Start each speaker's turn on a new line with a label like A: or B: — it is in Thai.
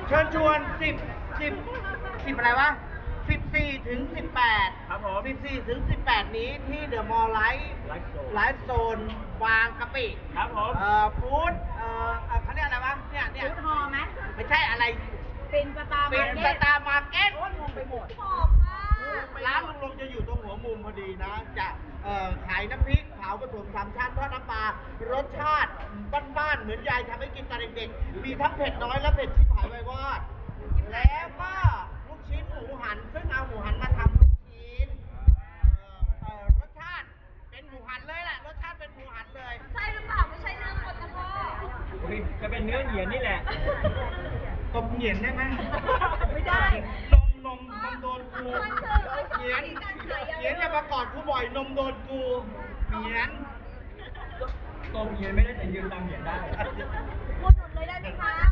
A: เชิญชวน10อะไรวะ14 ถึง 18
B: ครับผม
A: 14 ถึง 18 นี้ที่เดอะมอลล์ไลฟ์โซนบางกะปิ
B: ครับผม
A: ฟู้ดเขาเรียกอะไรวะเนี่ย
C: ฟู้ดฮอลล์ไหม
A: ไม่ใช่อะไร
C: เป็นสตาร์
A: เป็นสตาร์มาร์เก็ต
C: โอ้ยงงไปหมด
A: ร้านลุงลงจะอยู่ตรงหัวมุมพอดีนะ จะขายน้ำพริกเผาผสม3 ชั้นทอดน้ำปลารสชาติบ้านๆเหมือนยายทำให้กินตอนเด็กๆมีทั้งเผ็ดน้อยและเผ็ดที่ผายไววอดแล้วก็ลูกชิ้นหมูหันซึ่งเอาหมูหันมาทำลูกชิ้นรสชาติเป็นหมูหันเลยแหละรสชาติเป็นหมูหันเลย
C: ใช่หรือเปล่าไม่ใช่เรื่องคนนะพ่อ
B: จะเป็นเนื้อเหยียนนี่แหละ
A: ตบเหยียนได้ไหม
C: ไม่ได้
A: นมโดนกูเหยียนจะมากอดกูบ่อยนมโดนกูเหยียน
B: ตรงเหยียนไม่ได้แต่ยืนตามเหยียนได้
C: พูดหมดเลยได้ไหมคะ